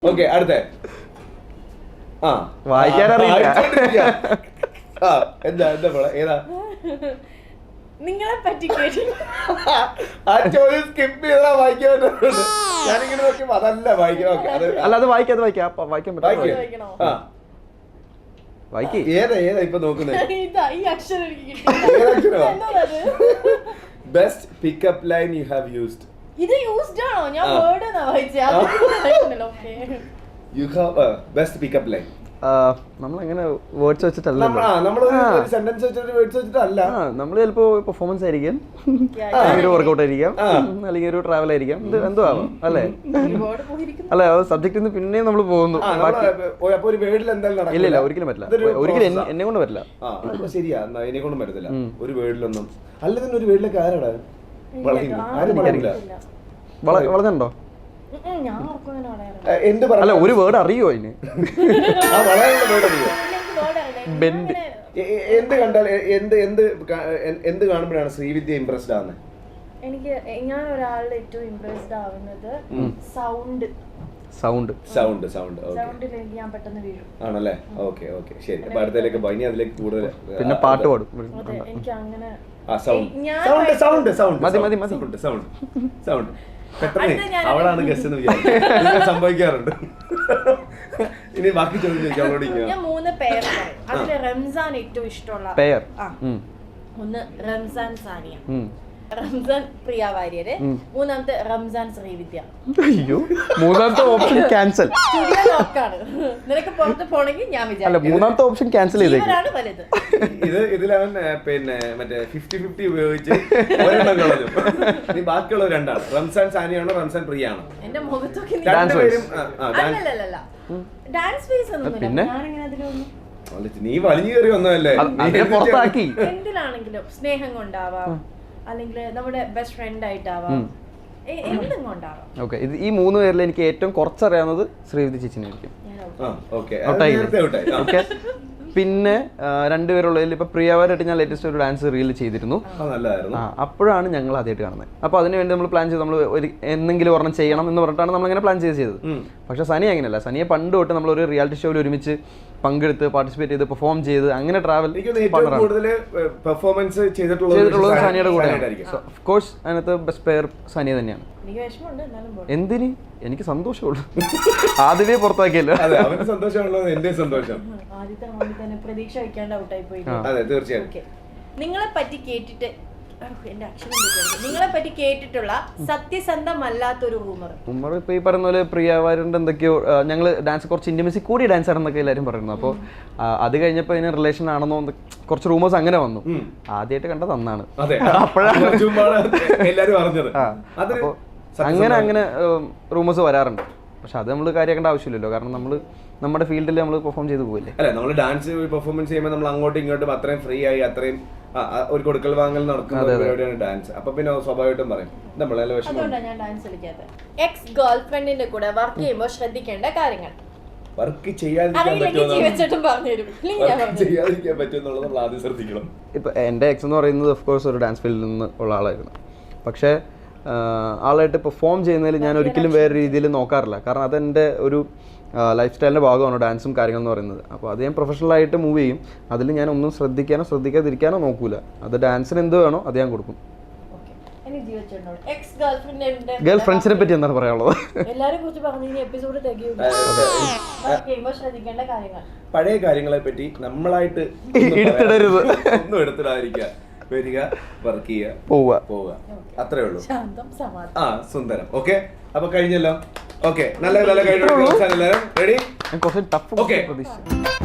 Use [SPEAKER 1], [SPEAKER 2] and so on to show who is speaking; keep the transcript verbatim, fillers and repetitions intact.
[SPEAKER 1] Okay അടുത്ത ആ
[SPEAKER 2] വായിക്കാനറിയില്ല.
[SPEAKER 1] ആ എന്താ എന്താ പോലെ ഏതാ
[SPEAKER 3] നിങ്ങളെ പറ്റി
[SPEAKER 1] ആ ചോദ്യം സ്കിപ്പ് ചെയ്താ വായിക്കാൻ പറ്റുന്നുണ്ട്. ഞാനിങ്ങനെ നോക്കിയപ്പോ അതല്ല വായിക്കാം. ഓക്കെ അത്
[SPEAKER 2] അല്ല അത് വായിക്കാം അത് വായിക്കാം അപ്പൊ വായിക്കാൻ പറ്റും
[SPEAKER 3] വായിക്കണോ?
[SPEAKER 1] ആ
[SPEAKER 2] വായിക്കേ.
[SPEAKER 1] ഏതാ ഏതാ ഇപ്പൊ നോക്കുന്നത്?
[SPEAKER 3] ഇതാ ഈ അക്ഷരം എനിക്ക് കിട്ടിയില്ല. എന്നോടത്.
[SPEAKER 1] Best pickup line you have used.
[SPEAKER 3] ഇത് യൂസ്ഡ് ആണോ? ഞാൻ വേർഡ് എന്നാ വായിച്ചേ. അത് വായിക്കുന്നില്ല. Okay.
[SPEAKER 1] You have best pickup line.
[SPEAKER 2] നമ്മളങ്ങനെ വേർഡ്സ് വെച്ചിട്ടല്ല,
[SPEAKER 1] നമ്മൾ ഒരു സെന്റൻസ് വെച്ചിട്ട് വേർഡ്സ് വെച്ചിട്ടല്ല.
[SPEAKER 2] നമ്മൾ ചിലപ്പോ പെർഫോമൻസ് ആയിരിക്കും, അല്ലെങ്കിൽ ഒരു വർക്കൗട്ട് ആയിരിക്കാം, അല്ലെങ്കിൽ ഒരു ട്രാവൽ ആയിരിക്കാം, ഇത് എന്തോ ആവാം അല്ലേ?
[SPEAKER 3] ഒരുപാട് പോയിരിക്കുന്നു.
[SPEAKER 2] അല്ലെ ആ സബ്ജക്റ്റിൽ നിന്ന് പിന്നെയും നമ്മൾ പോകുന്നു.
[SPEAKER 1] അപ്പൊ ഒരു വേർഡിൽ എന്തായാലും
[SPEAKER 2] ഇല്ല ഇല്ല ഒരിക്കലും പറ്റില്ല, ഒരിക്കലും എന്നെ കൊണ്ട് പറ്റില്ല.
[SPEAKER 1] ശരിയാ, എന്നെ കൊണ്ടും പറ്റത്തില്ല ഒരു വേർഡിലൊന്നും. അല്ല തന്നെ ഒരു വേർഡിലേക്ക് ആരാടാ
[SPEAKER 2] വളർന്നുണ്ടോ?
[SPEAKER 3] ഞാൻ ഓർക്കുന്നതിന് പറയാറുണ്ട്.
[SPEAKER 1] എന്ത്
[SPEAKER 2] അല്ല ഒരു വേർഡ് അറിയോ അതിന്?
[SPEAKER 3] ബെൻഡ്.
[SPEAKER 1] എന്ത് കണ്ടാൽ എന്ത് എന്ത് എന്ത് കാണുമ്പോഴാണ് ശ്രീവിദ്യ ഇംപ്രസ്ഡ് ആവുന്നത്?
[SPEAKER 3] എനിക്ക് ഞാൻ ഒരാളുടെ ഏറ്റവും ഇംപ്രസ്ഡ് ആവുന്നത് സൗണ്ട്
[SPEAKER 2] സൗണ്ട്
[SPEAKER 1] സൗണ്ട് സൗണ്ട്
[SPEAKER 3] സൗണ്ടിൽ എനിക്ക് ഞാൻ പെട്ടെന്ന് വീഴും.
[SPEAKER 1] ആണല്ലേ? ഓക്കെ ഓക്കെ ശരി. അപ്പൊ അടുത്തേക്ക് ഇനി അതിലേക്ക് കൂടുതൽ
[SPEAKER 2] പിന്നെ പാട്ട് പാടും.
[SPEAKER 3] അതെ എനിക്ക് അങ്ങനെ
[SPEAKER 1] സൗണ്ട് സൗണ്ട് സൗണ്ട്
[SPEAKER 2] മതി മതി മതി
[SPEAKER 1] സൗണ്ട് സൗണ്ട് പെട്ടെന്ന് അവളാണ് ഗസ്റ്റ് എന്ന് വിചാരിക്കും, സംഭവിക്കാറുണ്ട്. ഇനി ബാക്കി ചോദ്യം ചോദിക്കാം അവളോട്.
[SPEAKER 3] ഞാൻ മൂന്ന് പേർ പറയും. അതില് റംസാൻ ഏറ്റവും ഇഷ്ടമുള്ള
[SPEAKER 2] പേർ
[SPEAKER 3] ഒന്ന് റംസാൻ സാനിയ, റംസാൻ പ്രിയ വാര്യര്, മൂന്നാമത്തെ റംസാൻ ശ്രീവിദ്യ.
[SPEAKER 2] അയ്യോ മൂന്നാമത്തെ ഓപ്ഷൻ ക്യാൻസൽ.
[SPEAKER 3] സ്റ്റുഡിയോ ലോക്കാണ്. നിനക്ക് പുറത്ത് പോണെങ്കിൽ ഞാൻ
[SPEAKER 2] അല്ല
[SPEAKER 3] വിചാരിക്കും
[SPEAKER 2] മൂന്നാമത്തെ ഓപ്ഷൻ ക്യാൻസൽ ചെയ്തേക്കും.
[SPEAKER 3] ഇവരാണ് വലുത്.
[SPEAKER 1] ഇത് ഇതിലവൻ പിന്നെ മറ്റേ ഫിഫ്റ്റി ഫിഫ്റ്റി ഉപയോഗിച്ച് ഒരെണ്ണം കളഞ്ഞു. ഇനി ബാക്കിയുള്ള രണ്ടാണ്. റംസാൻ സാനിയാണോ റംസാൻ പ്രിയ ആണോ?
[SPEAKER 3] എന്റെ മുഖത്തൊക്കെ നീ-
[SPEAKER 1] രണ്ടുപേരും
[SPEAKER 3] അല്ലല്ലല്ല ഡാൻസ് ഫേസ് ഒന്നുമില്ല. ഞാനിങ്ങനെ അതിലൊന്നും
[SPEAKER 1] നീ വലിഞ്ഞു കയറി വന്നതല്ലേ?
[SPEAKER 2] അതിനെ പുറത്താക്കി.
[SPEAKER 3] എന്തിലാണെങ്കിലും സ്നേഹം കൊണ്ടാവാം, അല്ലെങ്കിൽ നമ്മുടെ ബെസ്റ്റ് ഫ്രണ്ട് ആയിട്ടാവാം, എന്തും കൊണ്ടാവാം.
[SPEAKER 2] ഓക്കെ ഇത് ഈ മൂന്ന് പേരിൽ എനിക്ക് ഏറ്റവും കുറച്ചറിയാവുന്നത് ശ്രീവിദ്യ ചേച്ചിനായിരിക്കും. ഓക്കെ പിന്നെ രണ്ടുപേരുള്ളതിൽ ഇപ്പൊ പ്രിയവാരായിട്ട് ഞാൻ ലേറ്റസ്റ്റ് ഒരു ഡാൻസ് റീൽ ചെയ്തിരുന്നു. ആ അപ്പോഴാണ് ഞങ്ങൾ ആദ്യമായിട്ട് കാണുന്നത്. അപ്പൊ അതിന് വേണ്ടി നമ്മൾ പ്ലാൻ ചെയ്ത് നമ്മൾ ഒരു എന്തെങ്കിലും ഒരെണ്ണം ചെയ്യണം എന്ന് പറഞ്ഞിട്ടാണ് നമ്മളിങ്ങനെ പ്ലാൻ ചെയ്ത് ചെയ്തത്. പക്ഷെ സനി അങ്ങനെയല്ല. സനിയെ പണ്ട് തൊട്ട് നമ്മൾ ഒരു റിയാലിറ്റി ഷോയിൽ ഒരുമിച്ച് പങ്കെടുത്ത് പാർട്ടിസിപ്പേറ്റ് ചെയ്ത് പെർഫോം ചെയ്ത് അങ്ങനെ ട്രാവൽ ചെയ്തിട്ടുള്ളത് സനിയുടെ കൂടെ. ഓഫ് കോഴ്സ് അതിനകത്ത് ബെസ്റ്റ് പെയർ സനിയ തന്നെയാണ്. എന്തിന്? എനിക്ക് സന്തോഷമുള്ളൂ. ആദ്യമേ പുറത്താക്കിയല്ലോ.
[SPEAKER 3] പ്രതീക്ഷ വയ്ക്കാണ്ട് ഔട്ടായി പോയി. നിങ്ങളെ പറ്റി കേട്ടിട്ട് എന്റെ അക്ഷരം നിങ്ങളെ പറ്റി കേട്ടിട്ടുള്ള സത്യസന്ധമല്ലാത്തൊരു റൂമർ.
[SPEAKER 2] റൂമർ ഇപ്പൊ ഈ പറയുന്ന പോലെ പ്രിയവാരുടെ എന്തൊക്കെയോ ഞങ്ങൾ ഡാൻസ് കുറച്ച് ഇന്റിമസി കൂടി ഡാൻസ് ആണെന്നൊക്കെ എല്ലാവരും പറയുന്നു. അപ്പോൾ അത് കഴിഞ്ഞപ്പോൾ ഇതിന് റിലേഷൻ ആണെന്നോ കുറച്ച് റൂമേഴ്സ് അങ്ങനെ വന്നു. ആദ്യമായിട്ട് കണ്ടത് അന്നാണ്. അപ്പോഴാണ് അപ്പോൾ അങ്ങനെ അങ്ങനെ റൂമേഴ്സ് വരാറുണ്ട്. പക്ഷെ അത് നമ്മൾ കാര്യമാക്കേണ്ട ആവശ്യമില്ലല്ലോ, കാരണം നമ്മൾ നമ്മുടെ ഫീൽഡിൽ നമ്മൾ പെർഫോം ചെയ്ത് പോകില്ലേ.
[SPEAKER 1] അല്ല നമ്മൾ ഡാൻസ് പെർഫോമൻസ് ചെയ്യുമ്പോൾ നമ്മൾ അങ്ങോട്ടും ഇങ്ങോട്ടും അത്രയും ഫ്രീ ആയി അത്രയും ഒരു കൊടുക്കൽ വാങ്ങൽ നടക്കുന്ന പരിപാടിയാണ് ഡാൻസ്. അപ്പൊ പിന്നെ സ്വാഭാവികമായിട്ടും പറയും നമ്മളെല്ലാം വിഷമം.
[SPEAKER 3] അതുകൊണ്ടാണ് ഞാൻ ഡാൻസ് കളിക്കാത്തത്. എക്സ് ഗേൾ ഫ്രണ്ടിന്റെ കൂടെ വർക്ക് ചെയ്യുമ്പോൾ ശ്രദ്ധിക്കേണ്ട കാര്യങ്ങൾ.
[SPEAKER 1] വർക്ക് ചെയ്യാതിരിക്കാൻ പറ്റുമെന്നുള്ളത് നമ്മൾ ആദ്യം ശ്രദ്ധിക്കണം.
[SPEAKER 2] ഇപ്പൊ എൻ്റെ എക്സ് എന്ന് പറയുന്നത് ഓഫ് കോഴ്സ് ഒരു ഡാൻസ് ഫീൽഡിൽ നിന്ന് ഉള്ള ആളായിരുന്നു. പക്ഷേ ആളായിട്ട് പെർഫോം ചെയ്യുന്നതിൽ ഞാൻ ഒരിക്കലും വേറെ രീതിയിൽ നോക്കാറില്ല. കാരണം അതെൻ്റെ ഒരു ലൈഫ് സ്റ്റൈലിൻ്റെ ഭാഗമാണ് ഡാൻസും കാര്യങ്ങൾ എന്ന് പറയുന്നത്. അപ്പോൾ അത് ഞാൻ പ്രൊഫഷണലായിട്ട് മൂവ് ചെയ്യും. അതിൽ ഞാൻ ഒന്നും ശ്രദ്ധിക്കാനോ ശ്രദ്ധിക്കാതിരിക്കാനോ നോക്കൂല. അത് ഡാൻസിന് എന്ത് വേണോ അത് ഞാൻ കൊടുക്കും. ഗേൾ ഫ്രണ്ട്സിനെ പറ്റി എന്താണ് പറയാനുള്ളത്?
[SPEAKER 1] പഴയ കാര്യങ്ങളെ പറ്റി നമ്മളായിട്ട്
[SPEAKER 2] എടുത്തിടരുത്,
[SPEAKER 1] ഒന്നും എടുത്തിടാതിരിക്കുക. വരിക, വർക്ക് ചെയ്യുക,
[SPEAKER 2] പോവുക
[SPEAKER 1] പോവുക, അത്രേ ഉള്ളൂ. ആ സുന്ദരം. ഓക്കെ അപ്പൊ കഴിഞ്ഞല്ലോ. ഓക്കെ നല്ല നല്ല കഴിഞ്ഞു. റെഡി?
[SPEAKER 2] കുറച്ച് ടഫ്
[SPEAKER 1] ഓക്കെ
[SPEAKER 2] പ്രതീക്ഷിച്ചു.